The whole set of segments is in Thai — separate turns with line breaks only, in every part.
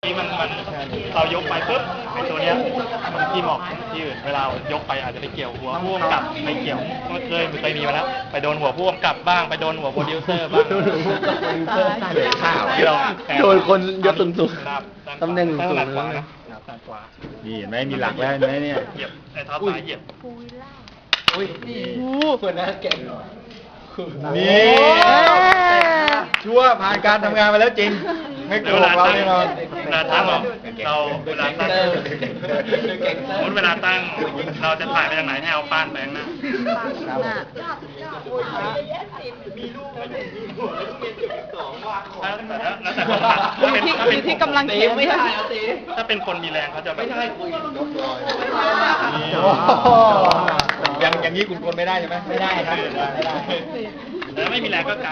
นี่มันเรายกไปปุ๊บไอ้ตัวเนี้ยมันที่หมอกที่อื่นเวลายกไปอาจจะไปเกี่ยวหัวผู้กำกับไปเกี่ยวเคยมีมาแล้วไปโดนหัวผู้กำกับบ้างไปโดนหัวโปรดิวเซอร์บ้าง
ข่าว
ที่เรา
โดนคนยศสูงๆตำแหน่งสูง
หนักกว่า
ๆ
นะหนักกว่า
นี่เห็นไหมมีหลักแล้วเห็นไหมเนี่ย
เหยียบไอ้เท้าซ้ายเหยียบ
อุ้ยคนน่าเก่ง
นี่
ชั่วผ่านการทำงานมาแล้วจริง ไม่โก
เว
ห
ลาก
เรา
ตั้ง
แน่นอน
เวลาตั้งเราเวลาตั้งสมมติเวลาตั้งเราจะถ่ายไปทางไหนให้เอาป้านไปข้างหน้าแล้วแต่คนตัด
อยู่ที่กำลังเข็มไม่ใช่
ถ้าเป็นคนมีแรงเขาจะไม่ได้คุย
อย่างนี้คุณคนไม่ได้ใช่ไหมไม่ได้ครับไม่ได้
แล้วไม่มีแรงก็กาง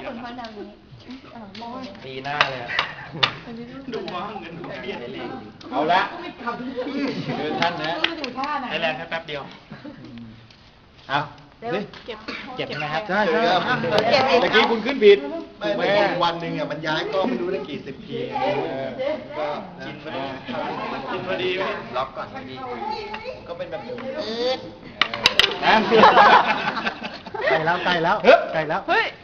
ตีหน้าเลย
ดูว่าเงินดูเบี้ย
เอาละเดินท่านนะ
ใช้แรงแค่แป๊บเดียว
เอาดิ
เก็บ
เจ็บไหมครับ
ใช่ใช่เมื่อกี้คุณขึ้นผิด
ไม่วันหนึ่งอ่ะมันย้ายก็ไม่รู้ได้กี่สิบทีก็กิน
กินพอดีไหม
ล็อกก่อนดีก็เป็นแบบนี้
ใกล้แล้วใกล้แล้วใกล้แล้ว
เฮ้ย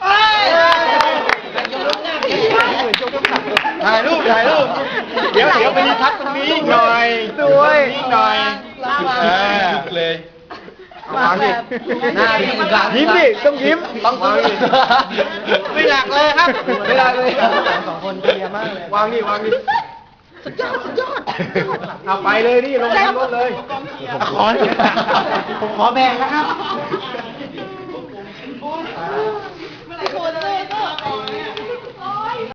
ถ่ายรูปเดี๋ยวไปรีทัชตรงนี้อีกหน่อยด้วยอีกหน่อยเลยวางดิยิ้มดิต้องยิ้มต้องไม่หลักเลยครับไม่หลักเลยสองคนเรียมากเลยวางดิสุดยอดเอาไปเลยนี่ลงรถเลยผมขอแบ่งนะครับ